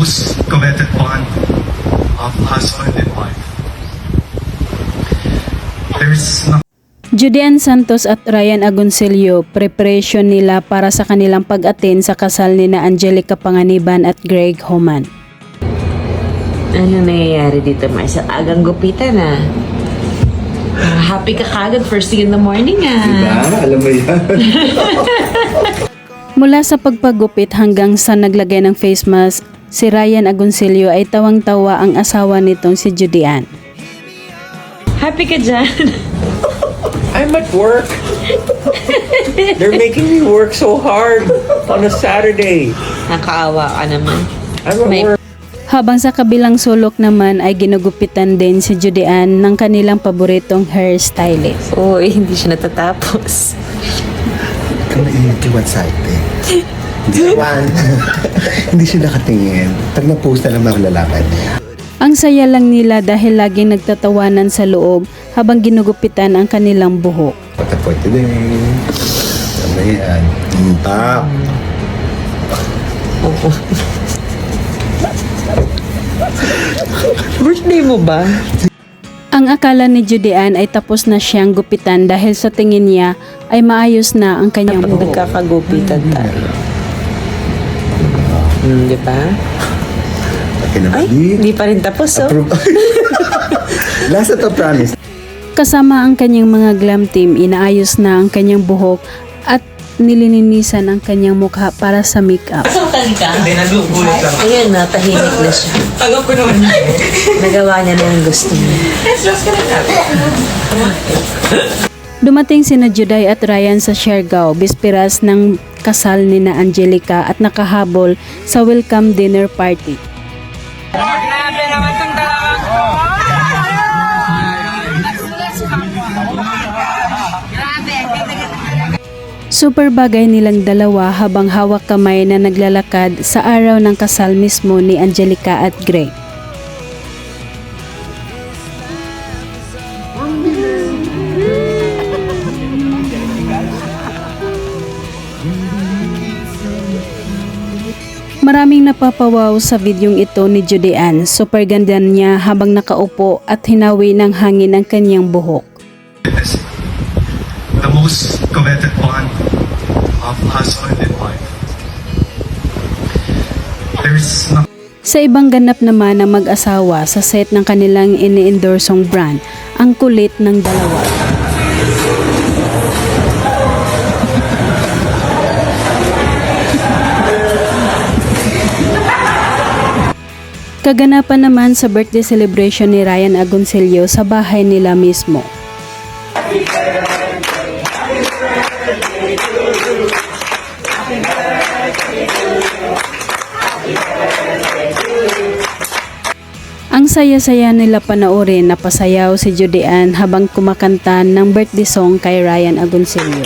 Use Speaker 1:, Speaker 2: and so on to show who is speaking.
Speaker 1: most coveted bond of husband and wife. There's nothing
Speaker 2: Judean Santos at Ryan Agoncillo, preparation nila para sa kanilang pag-attend sa kasal ni na Angelica Panganiban at Greg Homan.
Speaker 3: Ano nangyayari dito, Marcel? Agang gupitan ah. Happy ka kagad first thing in the morning ah.
Speaker 4: Diba? Alam mo yan.
Speaker 2: Mula sa pagpagupit hanggang sa naglagay ng face mask, si Ryan Agoncillo ay tawang-tawa ang asawa nitong si Judean.
Speaker 3: Happy ka dyan?
Speaker 5: I'm at work. They're making me work so hard on a Saturday.
Speaker 3: Nakaawa ka naman.
Speaker 5: I'm at work.
Speaker 2: Habang sa kabilang sulok naman ay ginugupitan din si Judean ng kanilang paboritong hairstylist.
Speaker 3: Uy, hindi siya natatapos.
Speaker 4: Kung naiinitiwan sa atin. Hindi siya nakatingin. Pag na-post na lang mga lalakad niya.
Speaker 2: Ang saya lang nila dahil laging nagtatawanan sa loob habang ginugupitan ang kanilang buhok.
Speaker 4: What a point today. Ano yan? Tap.
Speaker 3: Oo. Birthday mo ba?
Speaker 2: Ang akala ni Judean ay tapos na siyang gupitan dahil sa tingin niya ay maayos na ang kanyang
Speaker 3: Kapag
Speaker 2: buhok.
Speaker 3: nagkakagupitan tayo. Di ba?
Speaker 4: Okay na ba?
Speaker 3: Ay, hindi pa rin tapos oh.
Speaker 4: Approve. Last na to, promise.
Speaker 2: Kasama ang kanyang mga glam team, inaayos na ang kanyang buhok at nililinisan ang kanyang mukha para sa makeup.
Speaker 3: Saan ka? Ayun na, tahimik na siya.
Speaker 5: Tagap ko naman.
Speaker 3: Nagawa niya na yung gusto niya.
Speaker 2: Dumating sina Juday at Ryan sa Siargao, bisperas ng kasal ni na Angelica at nakahabol sa welcome dinner party. Super bagay nilang dalawa habang hawak kamay na naglalakad sa araw ng kasal mismo ni Angelica at Greg. Maraming napapawaw sa videong ito ni Judean. Super ganda niya habang nakaupo at hinawi ng hangin ang kanyang buhok.
Speaker 1: is the most coveted bond of husband and wife. There's nothing
Speaker 2: Sa ibang ganap naman ng mag-asawa sa set ng kanilang ini-endorsong brand, ang kulit ng dalawa. Kaganapan naman sa birthday celebration ni Ryan Agoncillo sa bahay nila mismo. Ang saya-saya nila panoorin, napasayaw si Judean habang kumakanta ng birthday song kay Ryan Agoncillo.